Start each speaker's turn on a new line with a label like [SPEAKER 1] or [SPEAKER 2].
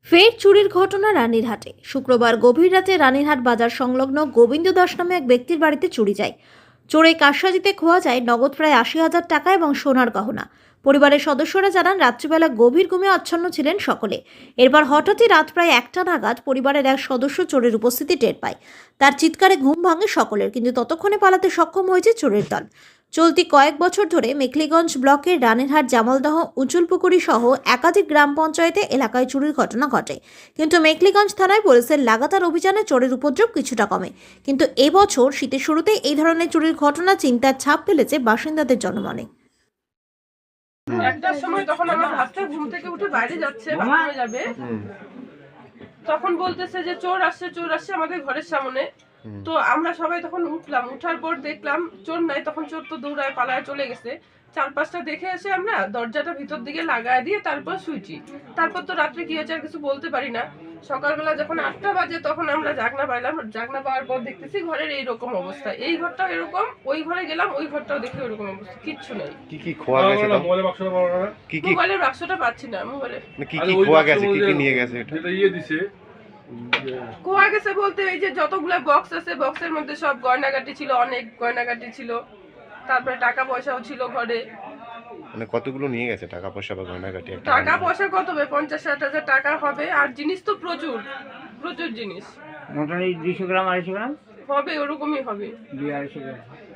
[SPEAKER 1] ফের চুরির ঘটনা রানীরহাটে। শুক্রবার গভীর রাতে রানীরহাট বাজার সংলগ্ন গোবিন্দ দাস নামে এক ব্যক্তির বাড়িতে চুরি যায়। চোরে কারসাজিতে খোয়া যায় নগদ প্রায় ৮০,০০০ টাকা এবং সোনার গহনা। পরিবারের সদস্যরা জানান, রাত্রিবেলা গভীর ঘুমে আচ্ছন্ন ছিলেন সকলে। এরপর হঠাৎই রাত প্রায় ১টা নাগাদ পরিবারের এক সদস্য চোরের উপস্থিতি টের পায়। তার চিৎকারে ঘুম ভাঙে সকলের, কিন্তু ততক্ষণে পালাতে সক্ষম হয়েছে চোরের দল। চলতি কয়েক বছর ধরে মেখলিগঞ্জ ব্লকের রানীরহাট, জামালদহ, উঁচুলপুকুরি সহ একাধিক গ্রাম পঞ্চায়েতে এলাকায় চুরির ঘটনা ঘটে। কিন্তু মেখলিগঞ্জ থানায় পুলিশের লাগাতার অভিযানে চোরের উপদ্রব কিছুটা কমে। কিন্তু এবছর শীতের শুরুতেই এই ধরনের চুরির ঘটনা চিন্তার ছাপ ফেলেছে বাসিন্দাদের জনমনে।
[SPEAKER 2] একটার সময় তখন আমার ভাবতে ঘুম থেকে উঠে বাইরে যাচ্ছে, বাথরুমে যাবে, তখন বলতেছে যে চোর আসছে আমাদের ঘরের সামনে। তো আমরা সবাই তখন উঠলাম, উঠার পর দেখলাম চোর নাই। তখন চোর তো দৌড়ায় পালায় চলে গেছে। ৪-৫টা দেখে এসে আমরা দরজাটা ভিতর দিকে লাগায় দিয়ে তারপর শুইছি। তারপর তো রাত্রে কি হয়েছে আর কিছু বলতে পারি না। সকালবেলা যখন ৮টা বাজে তখন আমরা জাগনা পাইলাম। জাগনা পাওয়ার পর দেখতেছি ঘরের এইরকম অবস্থা, এই ঘরটাও এরকম, ওই ঘরে গেলাম, ওই ঘরটাও দেখে ওরকম অবস্থা, কিচ্ছু নেই।
[SPEAKER 3] কি খোয়া গেছে?
[SPEAKER 2] মোবাইলের বাক্সটা পাচ্ছি না। মোবাইলে
[SPEAKER 3] কি খোয়া গেছে, কি নিয়ে গেছে?
[SPEAKER 4] এটা ইয়ে দিছে,
[SPEAKER 2] খোয়া গেছে বলতে এই যে যতগুলো বক্স আছে, বক্সের মধ্যে সব গয়নাগাটি ছিল, অনেক গয়নাগাটি ছিল। তারপরে টাকা পয়সাও ছিল ঘরে।
[SPEAKER 3] মানে কতগুলো নিয়ে গেছে টাকা পয়সা বা গয়নাগাটি?
[SPEAKER 2] টাকা পয়সা কত হবে? ৫০-৬০ হাজার টাকা হবে। আর জিনিস তো প্রচুর প্রচুর জিনিস,
[SPEAKER 5] মোটামুটি 200 গ্রাম 250 গ্রাম
[SPEAKER 2] হবে, ওরকমই হবে।
[SPEAKER 5] 200-250 গ্রাম।